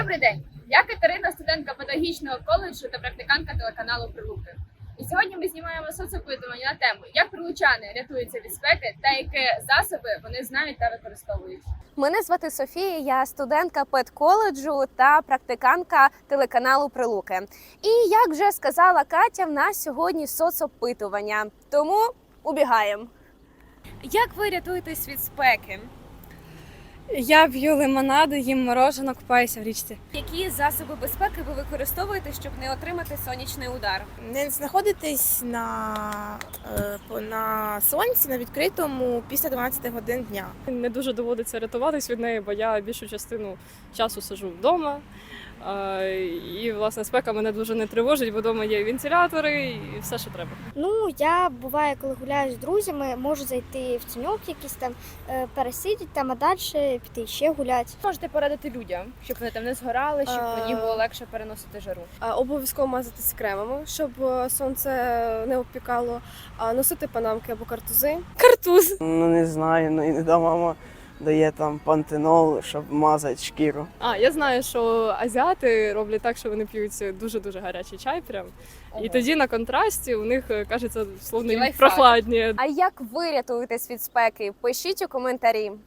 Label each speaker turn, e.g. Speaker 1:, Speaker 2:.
Speaker 1: Добрий день! Я Катерина, студентка педагогічного коледжу та практикантка телеканалу Прилуки. І сьогодні ми знімаємо соцопитування на тему, як прилучани рятуються від спеки та які засоби вони знають та використовують.
Speaker 2: Мене звати Софія, я студентка педколеджу та практикантка телеканалу Прилуки. І як вже сказала Катя, в нас сьогодні соцопитування, тому убігаємо. Як ви рятуєтесь від спеки?
Speaker 3: Я п'ю лимонаду, їм мороженое, купаюся в річці.
Speaker 2: Які засоби безпеки ви використовуєте, щоб не отримати сонячний удар?
Speaker 4: Не знаходитись на сонці на відкритому після 12 годин дня.
Speaker 3: Не дуже доводиться рятуватись від неї, бо я більшу частину часу сиджу вдома. І, власне, спека мене дуже не тривожить, бо вдома є вентилятори і все, що треба.
Speaker 5: Ну, я буває, коли гуляю з друзями, можу зайти в тіньок якийсь там, пересидіти там, а далі піти ще гуляти.
Speaker 6: Можете порадити людям, щоб вони там не згорали, щоб мені було легше переносити жару.
Speaker 7: Обов'язково мазатись кремами, щоб сонце не обпікало, носити панамки або картузи.
Speaker 4: Картуз.
Speaker 8: Ну не знаю, ну іноді мама дає там пантенол, щоб мазати шкіру.
Speaker 3: Я знаю, що азіати роблять так, що вони п'ють дуже-дуже гарячий чай прям. І тоді на контрасті у них, кажеться, словно їм
Speaker 6: Лайфхак.
Speaker 3: прохладніє.
Speaker 2: А як ви рятуєтесь від спеки? Пишіть у коментарі.